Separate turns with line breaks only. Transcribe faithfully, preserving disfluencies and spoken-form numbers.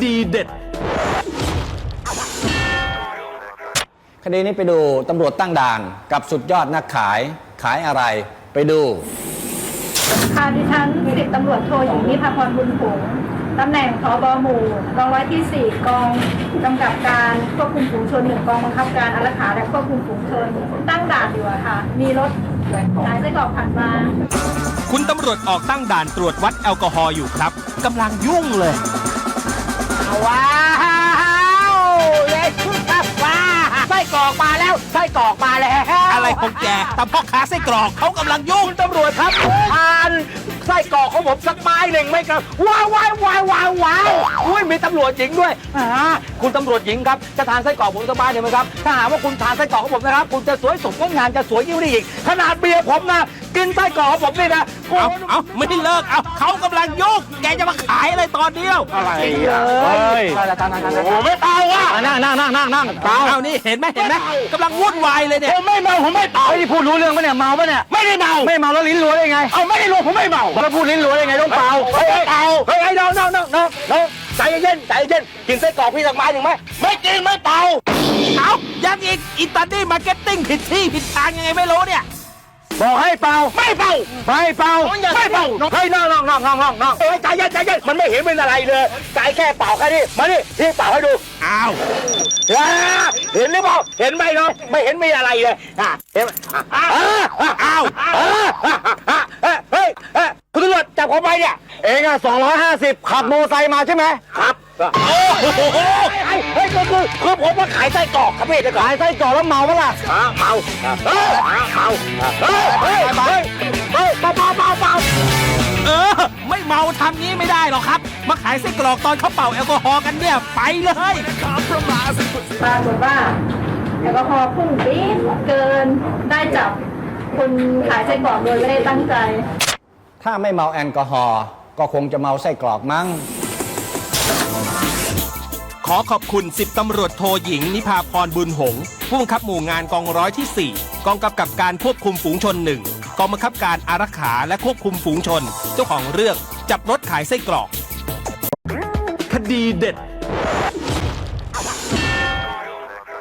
ดีเด็ด
คดีนี้ไปดูตำรวจตั้งด่านกับสุดยอดนักขายขายอะไรไปดู
ค่ะดิฉันสิบตำรวจโทหญิงนิพาพรบุญผงตำแหน่งผบ.หมู่กองร้อยที่สี่กองกำกับการควบคุมฝูงชนหนึ่งกองบังคับการอารักขาและควบคุมฝูงชนตั้งด่านอยู่อะค่ะมีรถขายไส้กรอกผ่านมา
คุณตำรวจออกตั้งด่านตรวจวัดแอลกอฮอล์อยู่ครับกำลังยุ่งเลย
ว้าวเย้ชุดว้าไส้กรอกมาแล้วไส้กรอกมาแล้ว
อะไรของแกแต่พ่อค้าไส้กรอกเขากำลังยุ่ง
ตำรวจครับทานไส้กรอกของผมสักไม้หนึ่งไหมครับว้าวว้าวว้าวว้าวว้าวอุ้ยมีตำรวจหญิงด้วยอ่าคุณตำรวจหญิงครับจะทานไส้กรอกผมสักไม้หนึ่งไหมครับถ้าหากว่าคุณทานไส้กรอกของผมนะครับคุณจะสวยสมงดงามจะสวยยิ่งได้อีกขนาดเบียร์ผมนะกินไส้กรอกของผมนี่นะ
เอาเอาไม่เลิกเอาเขากำลังยุ่งแกจะมาขายอะไรตอนเดียว
อะไรเฮ้ยโอ้ไม่เป่าอ่ะนั่งนั่งนั่งนั่งนั่งเป่า
เอานี่เห็นไหมเห็นไหมกำลังวุ่นวายเลยเนี่ย
ผมไม่เมาผมไม่เป่าที่พูดรู้เรื่องปะเนี่ยเมาปะเนี่ยไม่ได้เมาไม่เมาแล้วลิ้นรัวได้ไงเอาไม่ได้รัวผมไม่เมาแล้วพูดลิ้นรัวได้ไงต้องเป่าเฮ้ยเป่าเฮ้ยน้องน้องน้องน้องน้องใจเย็นใจเย็นกินไส้กรอกพี่สักไม้หนึ่งไหมไม่กินไม่เป่า
เอายังอีกอิตาลีมาร์เก็ตติ้งผิดที่ผิดทางยังไงไม่รู้เนี่ย
บอกให้เป่าไม่เป่าไม่เป่าไม่เป่าเฮ้ยน้องน้องน้องน้องน้องน้องเฮ้ยใจเย็นใจเย็นมันไม่เห็นเป็นอะไรเลยใจแค่เป่าแค่นี้มาดิที่เป่าให้ดู
อ้าว
เห็นหรือเปล่าเห็นไหมน้องไม่เห็นมีอะไรเลยเห็นอ้าวอ้าวเฮ้ยคุณตำรวจจับผมไปเนี่ยเองอ่ะสองร้อยห้าสิบขับโมไซค์มาใช่ไหมครับโอ้โหเฮ้ยคือคือคือผมมาขายไส้กรอกครับพี่จะขายไส้กรอกแล้วเมาปะล่ะเมาเฮ้ยเมาเฮ้ยเฮ้ยเฮ้ยเฮ้ยเบาเบาเบาเบา
เออไม่เมาทำงี้ไม่ได้หรอกครับมาขายไส้กรอกตอนเขาเป่าแอลกอฮอล์กันเนี่ยไปเลย
ปรากฏว่าแอลกอฮอล์พุ่งปี๊ดเกินได้จับคนขายไส้กรอกโดยไม่ได้ตั้งใจ
ถ้าไม่เมาแอลกอฮอล์ก็คงจะเมาไส้กรอกมั้ง
ขอขอบคุณสิบตำรวจโทหญิงนิพาพรบุญหงษ์ผู้บังคับหมู่งานกองร้อยที่สี่กองกำกับการควบคุมฝูงชนหนึ่งกองบังคับการอารักขาและควบคุมฝูงชนเจ้าของเรื่องจับรถขายไส้กรอกคดีเด็ด